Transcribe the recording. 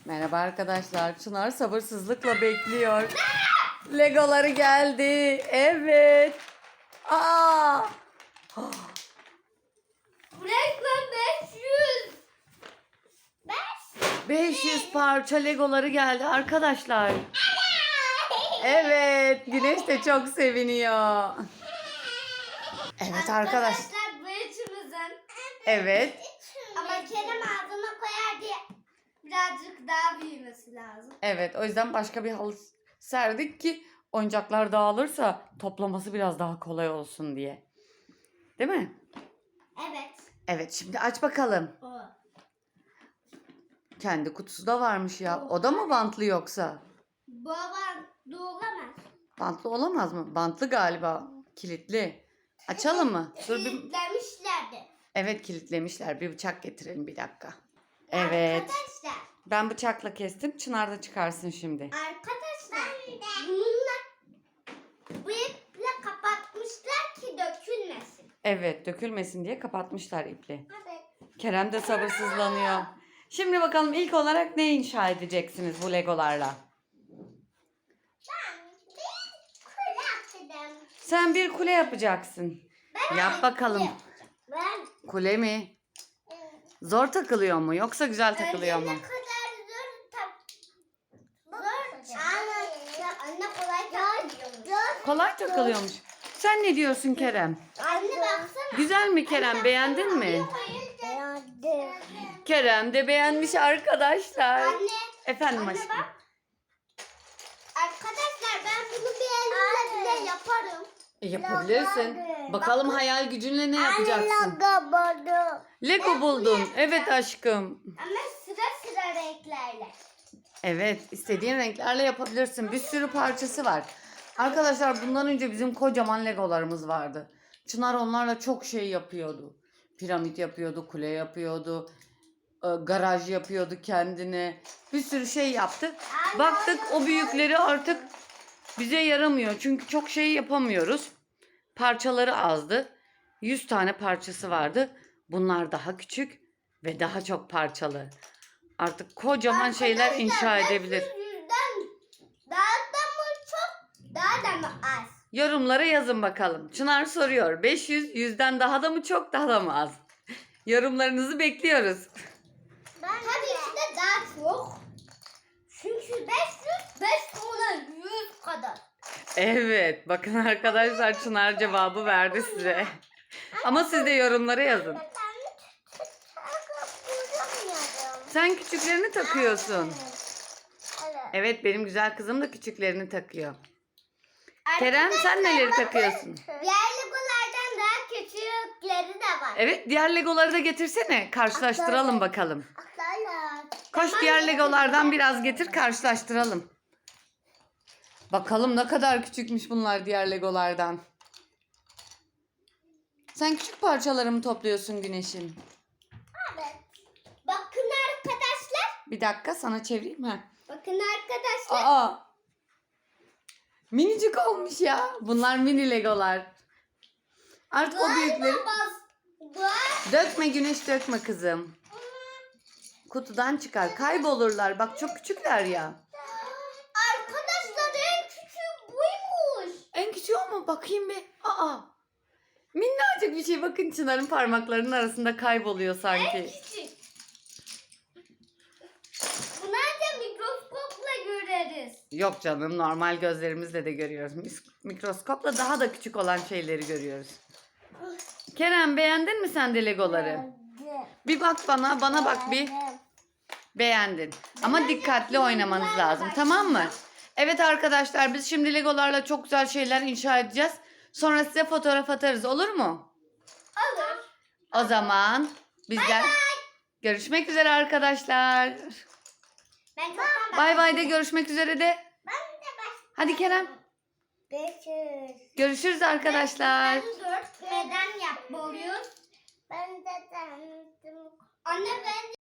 Merhaba arkadaşlar. Çınar sabırsızlıkla bekliyor. Legoları geldi. Evet. Aa! Resmen 500. 500 parça Legoları geldi arkadaşlar. Evet, Güneş de çok seviniyor. Evet arkadaş. Bu üçümüzün. Evet. Ama Kerem ağzına koyar diye birazcık daha büyümesi lazım. Evet, o yüzden başka bir halı serdik ki oyuncaklar dağılırsa toplaması biraz daha kolay olsun diye. Değil mi? Evet. Evet, şimdi aç bakalım. O. Kendi kutusu da varmış ya. O da mı bantlı yoksa? Baban doğulamaz. Bantlı olamaz mı? Bantlı galiba. Kilitli. Açalım mı? Dur bir... Kilitlemişlerdi. Evet, kilitlemişler. Bir bıçak getirelim bir dakika. Evet. Arkadaşlar. Ben bıçakla kestim. Çınar da çıkarsın şimdi. Arkadaşlar. Bununla bu iple kapatmışlar ki dökülmesin. Evet, dökülmesin diye kapatmışlar iple. Evet. Kerem de sabırsızlanıyor. Şimdi bakalım ilk olarak ne inşa edeceksiniz bu legolarla? Ben bir kule yapacağım. Sen bir kule yapacaksın. Yap bakalım. Ben Kule mi? Zor takılıyor mu yoksa güzel takılıyor mu? Ne kadar zor. Anne kolay takılıyormuş. Kolay takılıyormuş. Sen ne diyorsun Kerem? Anne baksana. Güzel mi Kerem? Beğendin mi? Beğendim. Kerem de beğenmiş arkadaşlar. Anne. Efendim Anne aşkım. bak. Arkadaşlar ben bunu bir elimle bile yaparım. Yapabilirsin. Bakalım hayal gücünle ne yapacaksın? Lego buldun. Evet aşkım. Ama sıra renklerle. Evet, istediğin renklerle yapabilirsin. Bir sürü parçası var. Arkadaşlar bundan önce bizim kocaman Legolarımız vardı. Çınar onlarla çok şey yapıyordu. Piramit yapıyordu, kule yapıyordu, garaj yapıyordu kendine. Bir sürü şey yaptı. Baktık o büyükleri artık bize yaramıyor. Çünkü çok şey yapamıyoruz. Parçaları azdı. 100 tane parçası vardı. Bunlar daha küçük ve daha çok parçalı. Artık kocaman şeyler inşa edebilir. 500'den daha da mı çok, daha da mı az? Yorumlara yazın bakalım. Çınar soruyor. 500 100'den daha da mı çok, daha da mı az? Yorumlarınızı bekliyoruz. Tabii ki de daha çok. Çünkü 500, 5 ona 100 kadar. Evet, bakın arkadaşlar Çınar cevabı verdi size. Ama siz de yorumlara yazın. Sen küçüklerini takıyorsun. Evet, benim güzel kızım da küçüklerini takıyor. Kerem sen neleri takıyorsun? Diğer legolardan daha küçükleri de var. Evet, diğer Legoları da getirsene. Karşılaştıralım bakalım. Koş diğer Legolardan biraz getir, karşılaştıralım. Bakalım ne kadar küçükmüş bunlar diğer Legolardan. Sen küçük parçaları mı topluyorsun Güneş'in? Evet. Bakın arkadaşlar. Bir dakika sana çevireyim ha. Bakın arkadaşlar. Aa! Minicik olmuş ya. Bunlar mini Legolar. Artık o büyükleri... Dökme Güneş, dökme kızım. Kutudan çıkar. Kaybolurlar. Bak çok küçükler ya. Arkadaşlar en küçüğü buymuş. En küçüğü o mu? Bakayım bir. Aa! Minnacık bir şey. Bakın Çınar'ın parmaklarının arasında kayboluyor sanki. En küçük. Bunu ancak mikroskopla göreriz. Yok canım, normal gözlerimizle de görüyoruz. Mikroskopla daha da küçük olan şeyleri görüyoruz. Kerem beğendin mi sen de Legoları? Bir bak bana bak bir. Beğendin. Ama dikkatli oynamanız lazım, tamam mı? Evet arkadaşlar, biz şimdi Legolarla çok güzel şeyler inşa edeceğiz. Sonra size fotoğraf atarız, olur mu? Olur. O zaman bizden görüşmek üzere arkadaşlar. Ben çoktan Bay bay de, görüşmek üzere de. Ben de Hadi Kerem. 500. Görüşürüz arkadaşlar. 4 neden yapmalıyız? Ben de dendim. Anne ben